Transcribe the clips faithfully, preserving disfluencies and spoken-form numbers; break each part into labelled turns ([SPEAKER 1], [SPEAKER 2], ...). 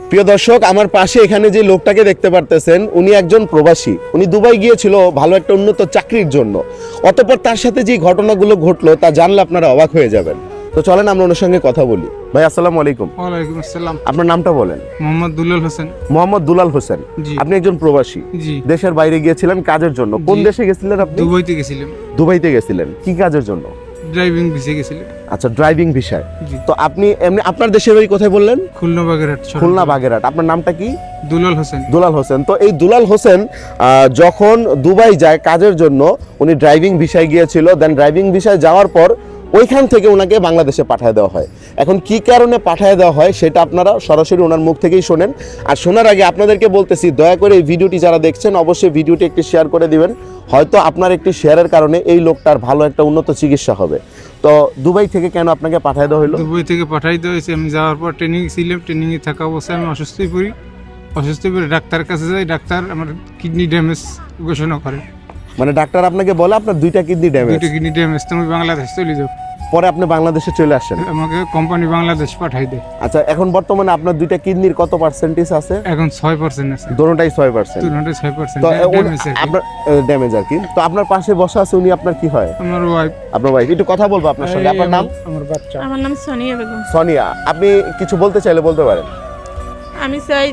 [SPEAKER 1] প্রিয় দর্শক, আমার পাশে এখানে যে লোকটাকে দেখতে পারতেছেন উনি একজন প্রবাসী। উনি দুবাই গিয়েছিল ভালো একটা উন্নত চাকরির জন্য। অতঃপর তার সাথে যে ঘটনাগুলো ঘটলো তা জানলে আপনারা অবাক হয়ে যাবেন। তো চলেন আমরা ওনার সঙ্গে কথা বলি। ভাই আসসালামু আলাইকুম।
[SPEAKER 2] ওয়ালাইকুম আসসালাম।
[SPEAKER 1] আপনার নামটা বলেন।
[SPEAKER 2] মোহাম্মদ দুলাল হোসেন।
[SPEAKER 1] মোহাম্মদ দুলাল হোসেন।
[SPEAKER 2] জি।
[SPEAKER 1] আপনি একজন প্রবাসী।
[SPEAKER 2] জি।
[SPEAKER 1] দেশের বাইরে গিয়েছিলেন কাজের জন্য। কোন
[SPEAKER 2] জি।
[SPEAKER 1] দেশে গেছিলেন আপনি?
[SPEAKER 2] দুবাইতে গেছিলাম।
[SPEAKER 1] দুবাইতে গেছিলেন কি কাজের জন্য?
[SPEAKER 2] ড্রাইভিং ভিসে গেছিলাম।
[SPEAKER 1] আচ্ছা, ড্রাইভিং ভিসায়।
[SPEAKER 2] জি।
[SPEAKER 1] তো আপনি এমনি আপনার দেশের বাড়ি কোথায় বললেন?
[SPEAKER 2] খুলনা বাগেরহাট।
[SPEAKER 1] খুলনা বাগেরহাট। আপনার নামটা কি?
[SPEAKER 2] দুলাল হোসেন।
[SPEAKER 1] দুলাল হোসেন। তো এই দুলাল হোসেন আহ, যখন দুবাই যায় কাজের জন্য, উনি ড্রাইভিং ভিসায় গিয়েছিল। দেন ড্রাইভিং ভিসায় যাওয়ার পর ওইখান থেকে ওনাকে বাংলাদেশে পাঠিয়ে দেওয়া হয়। এখন কি কারণে পাঠিয়ে দেওয়া হয় সেটা আপনারা সরাসরি ওনার মুখ থেকেই শোনেন। আর শোনার আগে আপনাদেরকে বলতেছি, দয়া করে এই ভিডিওটি যারা দেখছেন অবশ্যই ভিডিওটি একটি শেয়ার করে দিবেন। হয়তো আপনার একটি শেয়ারের কারণে এই লোকটার ভালো একটা উন্নত চিকিৎসা হবে। তো দুবাই থেকে কেন আপনাকে পাঠিয়ে দেওয়া হলো?
[SPEAKER 2] দুবাই থেকে পাঠাইতে হয়েছে। আমি যাওয়ার পর ট্রেনিং ছিলাম। ট্রেনিং এ থাকা অবস্থায় আমি অসুস্থ হয়ে পড়ি। অসুস্থ হয়ে পড়ে ডাক্তারের কাছে যাই। ডাক্তার আমার কিডনি ড্যামেজ ঘোষণা করে।
[SPEAKER 1] মানে ডাক্তার আপনাকে বলে আপনার দুইটা কিডনি ড্যামেজ।
[SPEAKER 2] দুইটা কিডনি ড্যামেজ, তুমি বাংলাদেশ চলে যাও।
[SPEAKER 1] পরে আপনি বাংলাদেশে চলে আসেন।
[SPEAKER 2] আমাকে কোম্পানি বাংলাদেশ পাঠাই দেয়।
[SPEAKER 1] আচ্ছা, এখন বর্তমানে আপনার দুইটা কিডনির কত পার্সেন্টেজ আছে?
[SPEAKER 2] এখন ছয় পার্সেন্ট আছে।
[SPEAKER 1] দোনোটাই ছয় পার্সেন্ট।
[SPEAKER 2] দুটোটাই ছয় পার্সেন্ট
[SPEAKER 1] তো
[SPEAKER 2] ড্যামেজ আর কি।
[SPEAKER 1] আপনার ড্যামেজ আর কি। তো আপনার পাশে বসা আছে উনি আপনার কি হয়?
[SPEAKER 2] আমার ওয়াইফ।
[SPEAKER 1] আপনার ওয়াইফ। একটু কথা বলবো আপনার সঙ্গে। আপনার নাম?
[SPEAKER 2] আমার বাচ্চা।
[SPEAKER 3] আমার নাম সোনিয়া বেগম।
[SPEAKER 1] সোনিয়া। আপনি কিছু বলতে চাইলে বলতে পারেন।
[SPEAKER 3] আমি চাই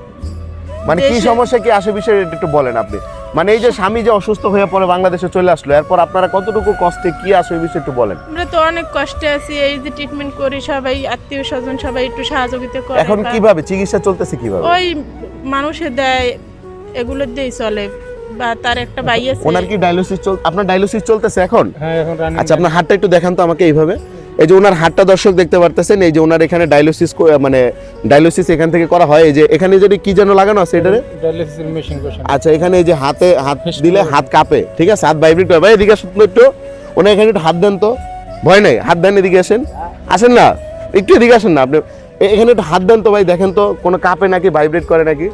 [SPEAKER 1] মানে কি
[SPEAKER 3] দেশে-
[SPEAKER 1] সমস্যা কি আসে বিষয়ে একটু বলেন আপনি। মানে এই যে স্বামী যে অসুস্থ হয়ে পরে বাংলাদেশে চলে আসলো, এরপর আপনারা কতটুকু কষ্টে কি আসে এই বিষয়ে একটু বলেন।
[SPEAKER 3] আমরা তো অনেক কষ্টে আছি, এই যে ট্রিটমেন্ট করি, সবাই আত্মীয় স্বজন সবাই একটু সহযোগিতা করে।
[SPEAKER 1] এখন
[SPEAKER 3] বা
[SPEAKER 1] কিভাবে চিকিৎসা চলতেছে কিভাবে?
[SPEAKER 3] ওই মানুষে দেয়, এগুলো দিয়েই চলে। বা তার একটা ভাই আছে।
[SPEAKER 1] ওনার কি ডায়ালিসিস চল আপনার ডায়ালিসিস চলতেছে এখন?
[SPEAKER 2] হ্যাঁ, এখন রানিং।
[SPEAKER 1] আচ্ছা, আপনার হাতটা একটু দেখান তো আমাকে এইভাবে। এই যে ওনার হাতটা দর্শক দেখতে পারতেছেন, এই যে ওনার এখানে ডায়ালিসিস মানে ডায়ালিসিস এখান থেকে করা হয়। এই যে এখানে যদি কি যেন লাগানো আছে এটারে।
[SPEAKER 2] ডায়ালিসিস মেশিন বসানো।
[SPEAKER 1] আচ্ছা, এখানে এই যে হাতে হাত দিলে হাত কাঁপে, ঠিক আছে, হাত ভাইব্রেট করে। ভাই এদিকে আসুন তো একটু, ওনার এখানে একটু হাত দেন তো। ভয় নেই, হাত দেন, এদিকে আসেন। আসেন না, একটু এদিকে আসেন না আপনি। এ- এখানে একটু হাত দেন তো ভাই, দেখেন তো কোনো কাঁপে নাকি, ভাইব্রেট করে নাকি?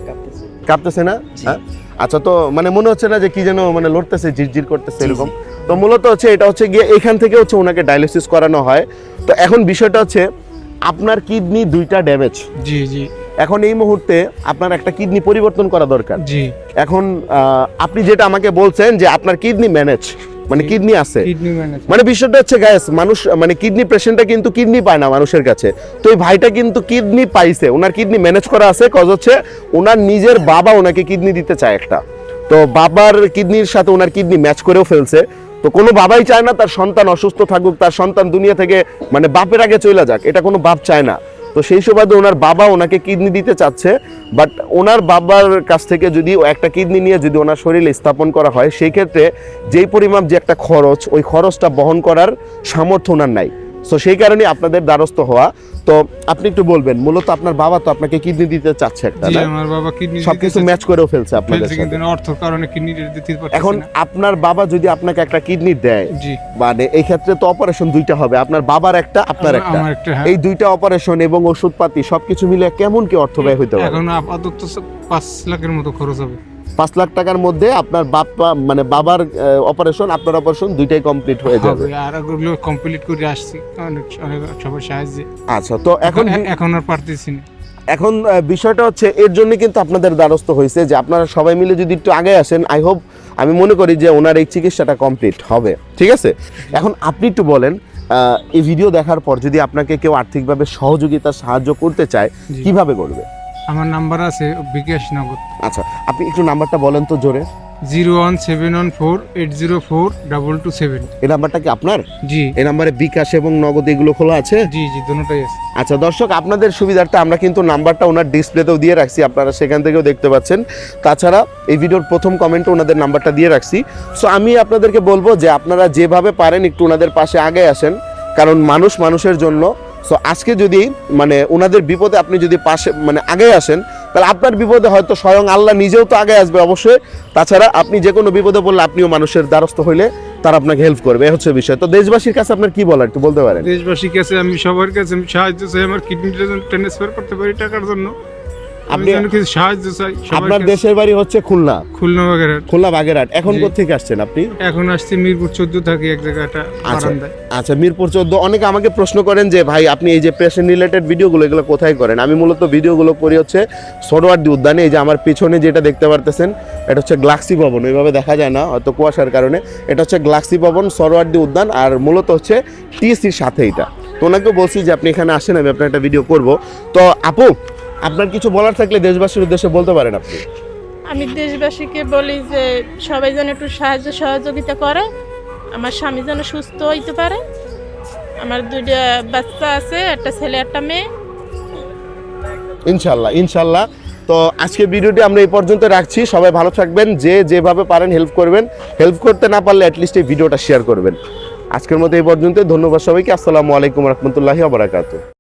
[SPEAKER 1] কাঁপতেছে না? হ্যাঁ। আচ্ছা, তো মানে মনে হচ্ছে না যে কি যেন মানে লড়তেছে, ঝিরঝির করতেছে এরকম? তো মূলত হচ্ছে এটা হচ্ছে গিয়ে এখান থেকে হচ্ছে ওনাকে ডায়ালিসিস করানো হয়। তো এখন বিষয়টা হচ্ছে আপনার কিডনি দুইটা ড্যামেজ।
[SPEAKER 2] জি জি
[SPEAKER 1] এখন এই মুহূর্তে আপনার একটা কিডনি পরিবর্তন করা দরকার।
[SPEAKER 2] জি।
[SPEAKER 1] এখন আহ, আপনি যেটা আমাকে বলছেন যে আপনার কিডনি ম্যানেজ, মানে কিডনি আছে,
[SPEAKER 2] কিডনি ম্যানেজ।
[SPEAKER 1] মানে বিষয়টা হচ্ছে গাইস, মানুষ মানে কিডনি পেশেন্টটা কিন্তু কিডনি পায় না মানুষের কাছে। তো এই ভাইটা কিন্তু কিডনি পাইছে, ওনার কিডনি ম্যানেজ করা আছে। কজ হচ্ছে ওনার নিজের বাবা ওনাকে কিডনি দিতে চায় একটা। তো বাবার কিডনির সাথে ওনার কিডনি ম্যাচ করেও ফেলছে। তো কোনো বাবাই চায় না তার সন্তান অসুস্থ থাকুক, তার সন্তান দুনিয়া থেকে মানে বাপের আগে চলে যাক, এটা কোনো বাপ চায় না। তো সেই সুবাদে ওনার বাবা ওনাকে কিডনি দিতে চাচ্ছে। বাট ওনার বাবার কাছ থেকে যদি একটা কিডনি নিয়ে যদি ওনার শরীরে স্থাপন করা হয়, সেই ক্ষেত্রে যেই পরিমাপ যে একটা খরচ, ওই খরচটা বহন করার সামর্থ্য ওনার নাই। সো সেই কারণে আপনাদের দ্বারস্থ হওয়া। তো আপনি একটু বলবেন, মূলত আপনার বাবা তো আপনাকে কিডনি দিতে চাচ্ছে একটা,
[SPEAKER 2] জি,
[SPEAKER 1] না?
[SPEAKER 2] আমার বাবা কিডনি
[SPEAKER 1] সবকিছু ম্যাচ করেও ফেলছে আপনাদের
[SPEAKER 2] ফেলছে,
[SPEAKER 1] সাথে।
[SPEAKER 2] কিন্তু অর্থ কারণে কিডনি দিতে পারতেছে
[SPEAKER 1] এখন
[SPEAKER 2] না।
[SPEAKER 1] আপনার বাবা যদি আপনাকে একটা কিডনি দেয়,
[SPEAKER 2] জি।
[SPEAKER 1] মানে এই ক্ষেত্রে তো অপারেশন দুইটা হবে, আপনার বাবার একটা, আপনার
[SPEAKER 2] আমার-
[SPEAKER 1] একটা।
[SPEAKER 2] আমার একটা, হ্যাঁ।
[SPEAKER 1] এই দুইটা অপারেশন এবং ওষুধপাতি সবকিছু মিলে কেমন কি অর্থ ব্যয় হইতে পারে?
[SPEAKER 2] এখন আপাতত পাঁচ লাখের মতো খরচ হবে।
[SPEAKER 1] পাঁচ লাখ টাকার মধ্যে আপনার বাপ্পা মানে বাবার অপারেশন, আপনার অপারেশন দুইটাই কমপ্লিট হয়ে যাবে।
[SPEAKER 2] হবে, আর ওগুলো কমপ্লিট করে আসছি অনেক অনেক সবার সাহায্যে।
[SPEAKER 1] আচ্ছা, তো এখন
[SPEAKER 2] এখন এখন আর পারতেছি না।
[SPEAKER 1] এখন আহ, বিষয়টা হচ্ছে এর জন্য কিন্তু আপনাদের দ্বারস্থ হয়েছে যে আপনারা সবাই মিলে যদি একটু আগে আসেন, আই হোপ, আমি মনে করি যে ওনার এই চিকিৎসাটা কমপ্লিট হবে। ঠিক আছে, এখন আপনি একটু বলেন, আহ, এই ভিডিও দেখার পর যদি আপনাকে কেউ আর্থিকভাবে সহযোগিতা সাহায্য করতে চায়,
[SPEAKER 2] জি।
[SPEAKER 1] কিভাবে করবে?
[SPEAKER 2] আমার নাম্বার আছে বিকাশ নগদ
[SPEAKER 1] আচ্ছা, আপনি একটু নাম্বারটা বলেন তো জোরে।
[SPEAKER 2] Zero one seven one four eight zero four double two seven.
[SPEAKER 1] এই নাম্বারটা কি আপনার?
[SPEAKER 2] জি
[SPEAKER 1] এই নাম্বারে বিকাশ এবং নগদ এগুলো খোলা আছে?
[SPEAKER 2] জি জি, দুটোটাই আছে।
[SPEAKER 1] আচ্ছা দর্শক, আপনাদের সুবিধার্থে আমরা কিন্তু নাম্বারটা ওনার ডিসপ্লেতেও দিয়ে রাখছি, আপনারা সেখান থেকেও দেখতে পাচ্ছেন। তাছাড়া এই ভিডিওর প্রথম কমেন্টে ওনাদের নাম্বারটা দিয়ে রাখছি। সো আমি আপনাদেরকে বলবো যে আপনারা যেভাবে পারেন একটু ওনাদের পাশে আগে আসেন, কারণ মানুষ মানুষের জন্য। সো আজকে যদি মানে ওনাদের বিপদে আপনি যদি পাশে মানে আগে আসেন, তাহলে আপনার বিপদে হয়তো স্বয়ং আল্লাহ নিজেও তো আগে আসবে অবশ্যই। তাছাড়া আপনি যে কোনো বিপদে পড়লে আপনিও মানুষের দ্বারস্থ হইলে তারা আপনাকে হেল্প করবে, এ হচ্ছে বিষয়। তো দেশবাসীর কাছে আপনার কি বলার একটু বলতে পারেন?
[SPEAKER 2] দেশবাসীর কাছে আমি সবার কাছে আমি সাহায্য চাই, আমার কিডনিটা যেন ট্রান্সফার করতে পারি টাকার জন্য। আপনি
[SPEAKER 1] আপনি
[SPEAKER 2] যেন কিছু সাহায্য চাই
[SPEAKER 1] আপনার
[SPEAKER 2] সবাই।
[SPEAKER 1] দেশের বাড়ি হচ্ছে খুলনা,
[SPEAKER 2] খুলনা বাগেরহাট।
[SPEAKER 1] খুলনা বাগেরহাট। এখন
[SPEAKER 2] জি।
[SPEAKER 1] কোত্থেকে আসছেন আপনি?
[SPEAKER 2] এখন আসছে মিরপুর চোদ্দ থাকি এক জায়গাটা
[SPEAKER 1] আচ্ছা
[SPEAKER 2] বারান্দায়।
[SPEAKER 1] আচ্ছা, মিরপুর চোদ্দ। অনেকে আমাকে প্রশ্ন করেন যে ভাই আপনি এই যে পেশেন্ট রিলেটেড ভিডিওগুলো এগুলো কোথায় করেন? আমি মূলত ভিডিওগুলো করি হচ্ছে সোহরাওয়ার্দী উদ্যানে। এই যে আমার পিছনে যেটা দেখতে পারতেছেন এটা হচ্ছে গ্লাক্সি ভবন, ওইভাবে দেখা যায় না হয়তো কুয়াশার কারণে। এটা হচ্ছে গ্লাক্সি ভবন, সোহরাওয়ার্দী উদ্যান, আর মূলত হচ্ছে টিএসসির সাথে এটা। তো ওনাকে বলছি যে আপনি এখানে আসেন, আমি আপনার একটা ভিডিও করব। তো আপু, আপনার কিছু বলার থাকলে দেশবাসীর উদ্দেশ্যে বলতে পারেন আপনি।
[SPEAKER 3] আমি দেশবাসীকে বলি যে সবাই যেন একটু সাহায্য সহযোগিতা করে, আমার স্বামী যেন সুস্থ হইতে পারে। আমার দুইটা বাচ্চা আছে, একটা ছেলে একটা মেয়ে।
[SPEAKER 1] ইনশাল্লাহ ইনশাল্লাহ। তো আজকে ভিডিওটি আমরা এই পর্যন্ত রাখছি। সবাই ভালো থাকবেন, যে যেভাবে পারেন হেল্প করবেন, হেল্প করতে না পারলে অ্যাটলিস্ট এই ভিডিওটা শেয়ার করবেন। আজকের মতো এই পর্যন্ত, ধন্যবাদ সবাইকে। আসসালামু আলাইকুম রহমতুল্লাহি ওয়া বারাকাতুহু।